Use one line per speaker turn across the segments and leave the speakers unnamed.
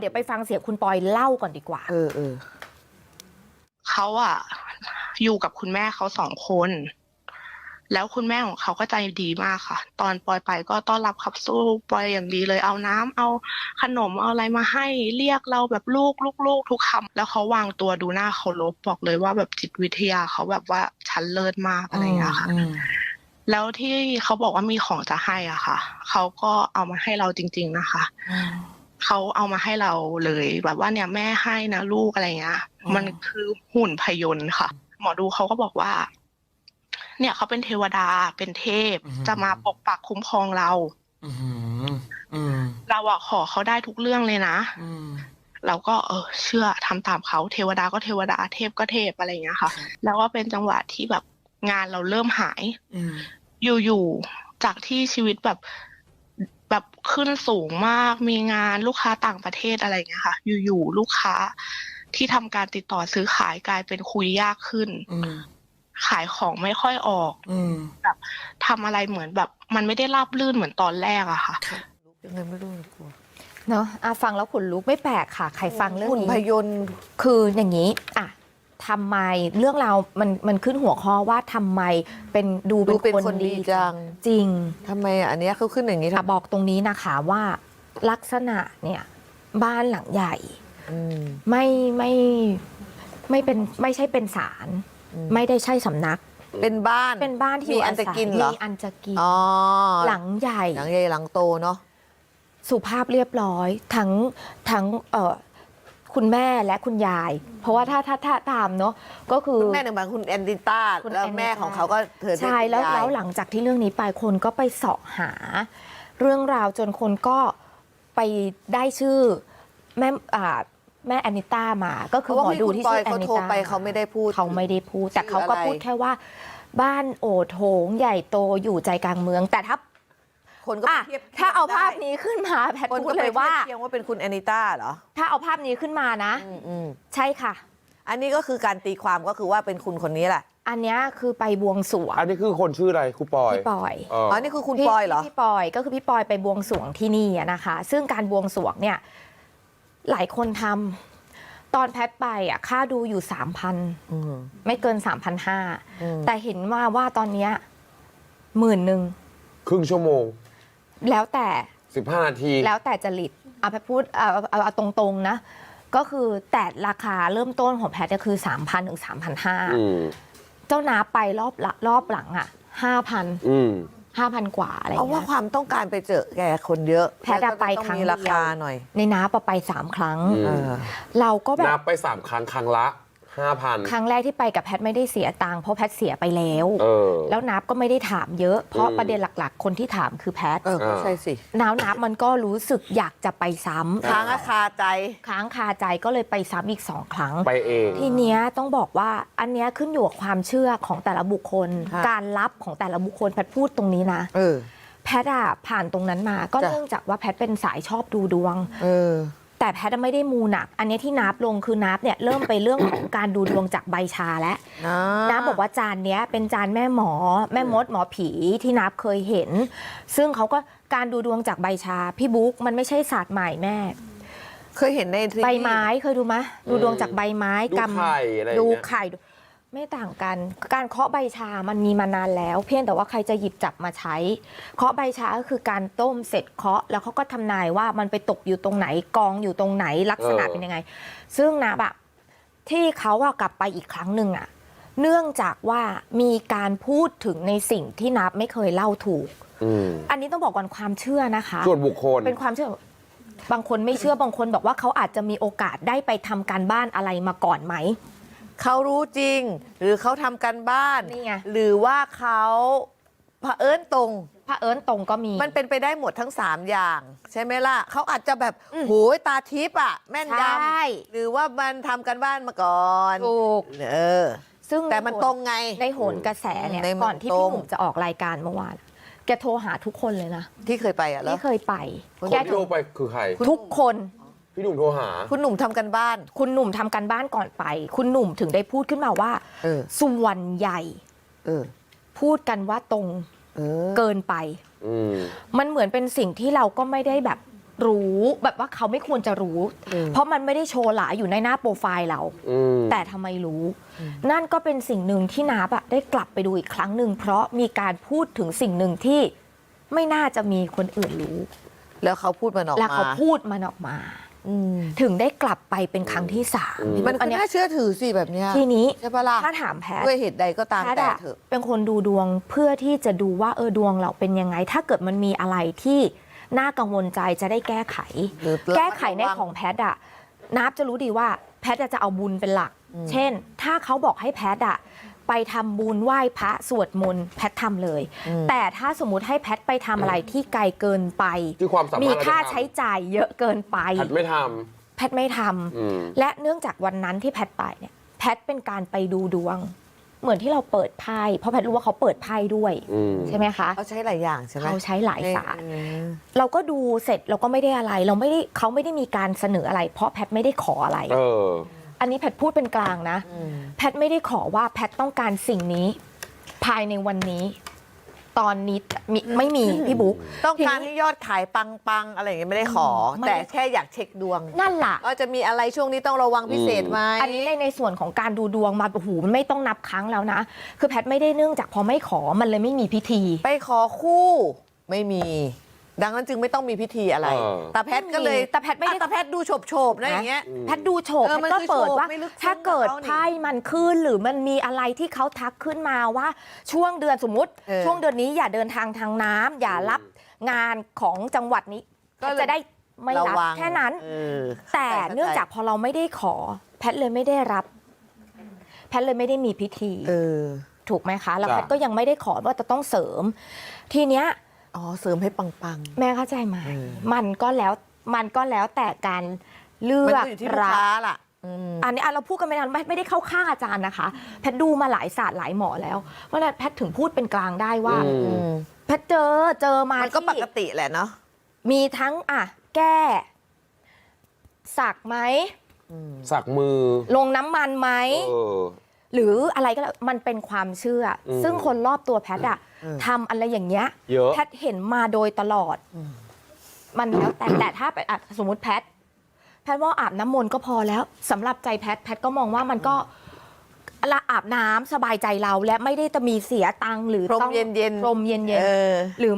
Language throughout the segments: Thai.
เดี๋ยวไปฟังเสียงคุณปอยเล่าก่อนดีกว่า
เขาอะอยู่กับคุณแม่เขา2 คนแล้วคุณแม่ของเขาก็ใจดีมากค่ะตอนปอยไปก็ต้อนรับขับสู้ปอยอย่างดีเลยเอาน้ำเอาขนมเอาอะไรมาให้เรียกเราแบบลูกทุกคำแล้วเขาวางตัวดูน่าเคารพบอกเลยว่าแบบจิตวิทยาเขาแบบว่าชั้นเลิศมากอะไรอย่างเงี้ยค่ะแล้วที่เขาบอกว่ามีของจะให้อ่ะค่ะเขาก็เอามาให้เราจริงๆนะคะเขาเอามาให้เราเลยแบบว่าเนี่ยแม่ให้นะลูกอะไรเงี้ยมันคือหุ่นพยนต์ค่ะหมอดูเขาก็บอกว่าเนี่ยเขาเป็นเทวดาเป็นเทพจะมาปกปักคุ้มครองเราเราอะขอเขาได้ทุกเรื่องเลยนะเราก็เชื่อทำตามเขาเทวดาก็เทวดาเทพก็เทพอะไรอย่างเงี้ยค่ะแล้วก็เป็นจังหวะที่แบบงานเราเริ่มหายอยู่ๆจากที่ชีวิตแบบขึ้นสูงมากมีงานลูกค้าต่างประเทศอะไรอย่างเงี้ยค่ะอยู่ๆลูกค้าที่ทำการติดต่อซื้อขายกลายเป็นคุยยากขึ้นขายของไม่ค่อยออกแบบทำอะไรเหมือนแบบมันไม่ได้ราบรื่นเหมือนตอนแรกอะค่ะ
ยังไงไม่รู้กลัว
เนาะฟังแล้วขนลุกไม่แปลกค่ะใครฟังเรื่องนี้
หุ่นพยนต์
คืออย่างนี้ทำไมเรื่องราวมันขึ้นหัวข้อว่าทำไมดูเป็นคนดี
จัง
จริง
ทำไมอันนี้เขาขึ้นอย่างนี้
บอกตรงนี้นะคะว่าลักษณะเนี่ยบ้านหลังใหญ่ไม่ใช่เป็นศาลไม่ได้ใช่สำนัก
เป็นบ้าน
ที่
มีอันจะกินเหรอ
มีอันจะกินหลังใหญ่
หลังโตเนาะ
สุภาพเรียบร้อยทั้งคุณแม่และคุณยายเพราะว่าถ้าตามเนาะก็คือ
คุณแม่หนึ่งบางคุณแอนดิต้าแล้วแม่ของเขาก็เธอ
ใช่แล้วหลังจากที่เรื่องนี้ไปคนก็ไปเสาะหาเรื่องราวจนคนก็ไปได้ชื่อแม่แอนนิต้ามาก็คือหมอดูที่ชื่อแอนนิต้า
เขาไม่ได้พูด
แต่เขาก็พูดแค่ว่าบ้านโอโถงใหญ่โตอยู่ใจกลางเมืองแต่
คนก็
ถ้าเอาภาพนี้ขึ้นมาแพทย์พูดเลยว่า
เทียบว่าเป็นคุณแอนนิต้าเหรอ
ถ้าเอาภาพนี้ขึ้นมานะใช่ค่ะ
อันนี้ก็คือการตีความก็คือว่าเป็นคุณคนนี้แหละ
อันนี้คือไปบวงสรวง
อันนี้คือคนชื่ออะไรครูปอย
พี่ปอย
อ๋อนี่คือคุณปอยเหรอ
พี่ปอยก็คือพี่ปอยไปบวงสรวงที่นี่นะคะซึ่งการบวงสรวงเนี่ยหลายคนทำตอนแพทไปค่าดูอยู่ 3,000ไม่เกิน 3,500แต่เห็นว่าตอนนี้10,000ค
รึ่งชั่วโมง
แล้วแต่
15 นาที
แล้วแต่จริตแพทพูดเอาตรงๆนะก็คือแต่ราคาเริ่มต้นของแพทคือ 3,000 ถึง 3,500เจ้านาไปรอบหลัง5,000 กว่าอะไรเงี้ย
เพราะว่าความต้องการไปเจอแกคนเยอะ
แพทไปครั้ง
มีราคาหน่อย
ในน้าไป3 ครั้งเราก็แบบ
นับไป3 ครั้งครั้งละ5,000
ครั้งแรกที่ไปกับแพทไม่ได้เสียตังค์เพราะแพทเสียไปแล้วนับก็ไม่ได้ถามเยอะเพราะประเด็นหลักๆคนที่ถามคือแพท
ใช่สิ
นับมันก็รู้สึกอยากจะไปซ้ำ
ค้างคาใจ
ก็เลยไปซ้ำอีก2 ครั้ง
ไปเอง
ทีเนี้ยต้องบอกว่าอันเนี้ยขึ้นอยู่กับความเชื่อของแต่ละบุคคลการรับของแต่ละบุคคลแพทพูดตรงนี้นะแพทผ่านตรงนั้นมาก็เนื่องจากว่าแพทเป็นสายชอบดูดวงแต่แพทย์ไม่ได้มูหนักอันนี้ที่นับลงคือนับเนี่ยเริ่มไปเรื่องของการดูดวงจากใบชาแล้วนับบอกว่าจานเนี้ยเป็นจานแม่หมอแม่มดหมอผีที่นับเคยเห็นซึ่งเขาก็การดูดวงจากใบชาพี่บุ๊กมันไม่ใช่ศาสตร์ใหม่แม่
เคยเห็นใน
ใบไม้เคยดูไหมดูดวงจากใบไม้ดูไข่ไม่ต่างกันการเคาะใบชามันมีมานานแล้วเพียงแต่ว่าใครจะหยิบจับมาใช้เคาะใบชาก็คือการต้มเสร็จเคาะแล้วเขาก็ทำนายว่ามันไปตกอยู่ตรงไหนกองอยู่ตรงไหนลักษณะเป็นยังไงซึ่งนะแบบที่เขากลับไปอีกครั้งหนึ่งเนื่องจากว่ามีการพูดถึงในสิ่งที่นับไม่เคยเล่าถูกอันนี้ต้องบอกก่อนความเชื่อนะคะ
ส่วนบุคคล
เป็นความเชื่อบางคนไม่เชื่อบางคนบอกว่าเขาอาจจะมีโอกาสได้ไปทำการบ้านอะไรมาก่อนไหม
เขารู้จริงหรือเขาทำกันบ้านหรือว่าเขาเผอิญตรง
ก็มี
มันเป็นไปได้หมดทั้ง3อย่างใช่ไหมล่ะเขาอาจจะแบบโหยตาทิพย์แม่นยำหรือว่ามันทำกันบ้านมาก่อน
ถูกซึ่ง
แต่มันตรงไง
ในโหนกระแสเนี่ยก่อนที่พี่หนุ่มจะออกรายการเมื่อวานแกโทรหาทุกคนเลยนะ
ที่เคยไป
ที่เคยไป
แกโทรไปคือใคร
ทุกคน
พี่หนุ่มโทรหา
คุณหนุ่มทำกันบ้าน
คุณหนุ่มทำกันบ้านก่อนไปคุณหนุ่มถึงได้พูดขึ้นมาว่าส่วนใหญ่พูดกันว่าตรงเกินไปมันเหมือนเป็นสิ่งที่เราก็ไม่ได้แบบรู้แบบว่าเขาไม่ควรจะรู้ เพราะมันไม่ได้โชว์หลาอยู่ในหน้าโปรไฟล์เรา แต่ทำไมรู้ นั่นก็เป็นสิ่งหนึ่งที่นับได้กลับไปดูอีกครั้งหนึ่งเพราะมีการพูดถึงสิ่งหนึ่งที่ไม่น่าจะมีคนอื่นรู้
แล้วเขาพูดมันออกมา
แล้วเขาพูดมันออกมาถึงได้กลับไปเป็นครั้งที่3
มันก็น่าเชื่อถือสิแบบเนี้ย
ทีนี้
ใช่ปะล่ะ
ถ้าถามแพทย์
ด้วยเหตุใดก็ตาม
แพทย์
แต่
อะ
เถอะ
เป็นคนดูดวงเพื่อที่จะดูว่าดวงเราเป็นยังไง ถ้าเกิดมันมีอะไรที่น่ากังวลใจจะได้แก้ไข
หรือ
แก้ไขในของแพทย์อะนับจะรู้ดีว่าแพทย์จะเอาบุญเป็นหลัก เช่น ถ้าเขาบอกให้แพทย์อะไปทำบุญไหว้พระสวดมนต์แพทย์ทำเลย แต่ถ้าสมมุติให้แพทย์ไปทำอะไรที่ไกลเกินไป
ที่ความสามารถ
มีค่า
เราจะทำ
ใช้จ่ายเยอะเกินไป
แพทย์ไม่ท
แพทย์ไม่ทำ
ำ
และเนื่องจากวันนั้นที่แพทย์ไปเนี่ยแพทย์เป็นการไปดูดวง เหมือนที่เราเปิดไพ่เพราะแพทย์รู้ว่าเขาเปิดไพ่ด้วย ใช่ไหมคะ
เขาใช้หลายอย่างใช่ไหม
เขาใช้หลายศาสตร์
เออ
เราก็ดูเสร็จเราก็ไม่ได้อะไรเขาไม่ได้มีการเสนออะไร เพราะแพทย์ไม่ได้ขออะไร อันนี้แพทย์พูดเป็นกลางนะ แพทย์ไม่ได้ขอว่าแพทย์ต้องการสิ่งนี้ ภายในวันนี้ ตอนนี้ไม่มีพี่บุ๊ก
ต้องการ
ทีนี้
ให้ยอดขายปังๆอะไรอย่างเงี้ยไม่ได้ขอ
ไม่
แต่แค่อยากเช็คดวง
นั่นล่ะ
ว่าจะมีอะไรช่วงนี้ต้องระวังพิเศษไหม
อันนี้ในส่วนของการดูดวงมาโอ้โหมันไม่ต้องนับครั้งแล้วนะ คือแพทย์ไม่ได้เนื่องจากพอไม่ขอมันเลยไม่มีพิธี
ไปขอคู่ไม่มี ดังนั้นจึงไม่ต้องมีพิธีอะไร ตาแพทย์ก็เลย
แต่แพทย์ไม่ได้
ตาแพทย์ดูโฉบๆนะอย่างเงี้ย
แพทย์ดูโฉบ
เออ
แพ
มัน
ทย์ก็
คือ
เปิดว่า
โฉบไม่ลึกซึ้ง
ถ้าเกิด
กับเขานี่
ไพ่มันขึ้นหรือมันมีอะไรที่เขาทักขึ้นมาว่าช่วงเดือนสมมุติ ช่วงเดือนนี้อย่าเดินทางทางน้ำอย่ารับงานของจังหวัดนี้ก็จะได้ไม่รับ
ระวัง
แค่นั้น
เออ
แต่เนื่องจากพอเราไม่ได้ขอ แพทย์เลยไม่ได้รับ แพทย์เลยไม่ได้มีพิธี
เออ
ถูกไหมคะ แล้ว
จ้ะ
แพทย์ก็ยังไม่ได้ขอว่าจะต้องเสริม ทีเนี้ย
อ๋อเสริมให้ปัง
แม่เข้าใจไหม
เออ
มันก็แล้วแต่การเลื
ๆ มัน
อก
ก็อยู่ที่ลูก
รับ
ค้าล่ะ
อันนี้เราพูดกันไม่นานไม่ได้เข้าข้างอาจารย์นะคะ แพทย์ดูมาหลายศาสตร์หลายหมอแล้วเพราะฉะนั้นแพทย์ถึงพูดเป็นกลางได้ว่า แพทย์เจอมา
มันก็
ที่
ปกติแหละเนาะ
มีทั้งแก้สักไหม
สักมือ
ลงน้ำมันไหม หรืออะไรก็แล้วมันเป็นความเชื่ออซึ่งคนรอบตัวแพทย์ทำอะไรอย่างเงี้ย
เยอะ
แพทย์เห็นมาโดยตลอด มันแล้วแต่ถ้าไปสมมติแพทย์ว่าอาบน้ำมนต์ก็พอแล้วสำหรับใจแพทย์ก็มองว่ามันก็ละอาบน้ำสบายใจเราและไม่ได้จะมีเสียตังค์หรือ
พรม
ต้อง
เย็นๆ
พรมเย็น
เออ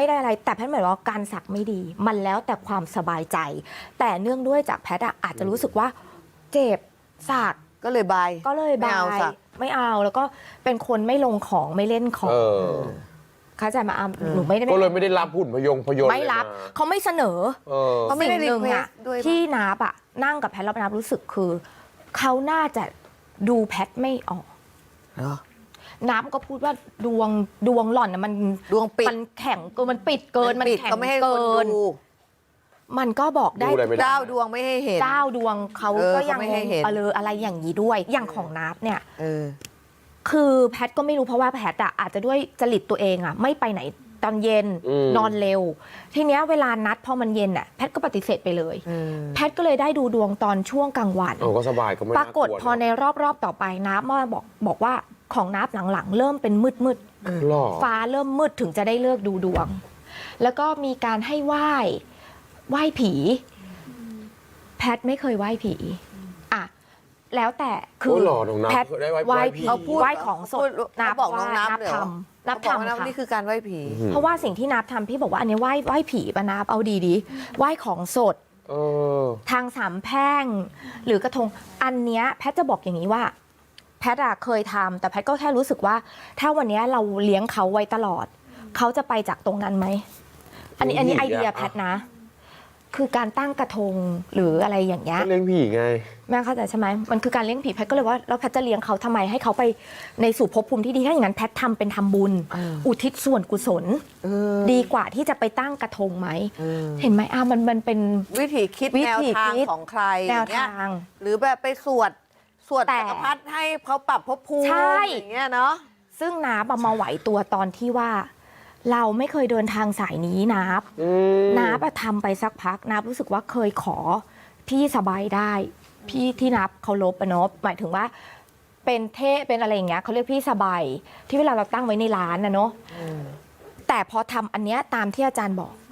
ก็เลยบาย
ก็เลย
ไม่
บา
เอา
ย
สัก
ไม่เอาแล้วก็เป็นคนไม่ลงของไม่เล่นของเข้าใจมาหนูไม่ได้
ก็เลยไม่ได้รับหุ่นพยนต์
ไม่รับ
เลย
เขาไม่เสนอ
เขาไม่ได้
สิ่งหนึ่ง
request ด้วยปะ
ที่นับนั่งกับแพทย์แล้วนับรู้สึกคือเขาน่าจะดูแพทย์ไม่ออก
เหรอ
นับก็พูดว่าดวงหล่อนมัน
ดวงปิด
มันแข็งเกินมันปิดเกินมัน
ปิด
แข็ง
ก็ไม่ให้ค
เกิ
น
น
ดู
มันก็บอกได้
ดูอะไรไม่ได้
เจ้าดวงไม่ให้เห็น
เจ้าดวงเขา
เออ
ก็ยัง
เขาไม่ให้เห็น
อะไรอย่างนี้ด้วยอย่างของนับเนี่ย
เออ
คือแพทย์ก็ไม่รู้เพราะว่าแพทย์อาจจะด้วยจริตตัวเองไม่ไปไหนตอนเย็นนอนเร็ว ทีเนี้ยเวลานัดพอมันเย็นแพทย์ก็ปฏิเสธไปเลย แพทย์ก็เลยได้ดูดวงตอนช่วงกลางวัน
ก็สบายก็ไม่
ปรากฏพอในรอบต่อไปนับมาบอกว่าของนับหลังๆ เริ่มเป็นมืด
หรอ
ฟ้าเริ่มมืดถึงจะได้เลิกดูดวง แล้วก็มีการให้ไหว้ผี แพทย์ไม่เคยไหว้ผีแล้วแต่คือ
หรอน้องนับ
แพทย์
ได้ไหว้
ไหว้
ผี
ผี
เขาพูด
ไหว้ของสด
เขาบอกน้องนับ
นับ
เลยเหรอ
ทำนับ
เขาบอกว่า
ทำค่ะ
นี่คือการไหว้ผี
เพราะว่าสิ่งที่นับทำพี่บอกว่าอันนี้ไหว้ผีปะนับเอาดีไหว้ของสด ทางสามแพร่งหรือกระทงอันเนี้ยแพทย์จะบอกอย่างนี้ว่า แพทย์เคยทำแต่แพทย์ก็แค่รู้สึกว่า ถ้าวันเนี้ยเราเลี้ยงเขาไว้ตลอด เขาจะไปจากตรงนั้นไหมอันนี้ไอเดียแพทย์นะ คือการตั้งกระทงหรืออะไรอย่างเงี้ย
เลี้ยงผีไง
แม่เข้าใจใช่ไหมมันคือการเลี้ยงผีแพทย์ก็เลยว่าแล้วแพทย์จะเลี้ยงเขาทำไมให้เขาไปในสู่ภพภูมิที่ดีถ้าอย่างนั้นแพทย์ทำเป็นทำบุญ อุทิศส่วนกุศลดีกว่าที่จะไปตั้งกระทงไหมเห็นไหมมันเป็น
วิธีคิด
วิ
แนว
ธี
ทาง
คิด
ของใคร
แนว
อย่เงี้ย
ทาง
หรือแบบไปสวด
แต่
จักรพรรดิให้เขาปรับภพภูมิ
ใช่
อย่างเงี้ยเนาะ
ซึ่งนับมาไหวตัวตอนที่ว่า เราไม่เคยเดินทางสายนี้นับทำไปสักพักนับรู้สึกว่าเคยขอพี่สบายได้ พี่ที่นับเคารพเนาะหมายถึงว่า เป็นเทพเป็นอะไรอย่างเงี้ยเขาเรียกพี่สบายที่เวลาเราตั้งไว้ในร้านนะเนาะแต่พอทำอันเนี้ยตามที่อาจารย์บอก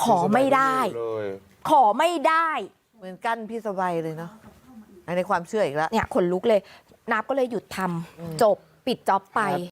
ขอไม่ได้
เลย
ขอไม่ได้
เหมือนกั้นพี่สบายเลยเนาะในความเชื่ออีกแล้ว
เนี่ยขนลุกเลยนับก็เลยหยุดทำจบปิดจ็อบไป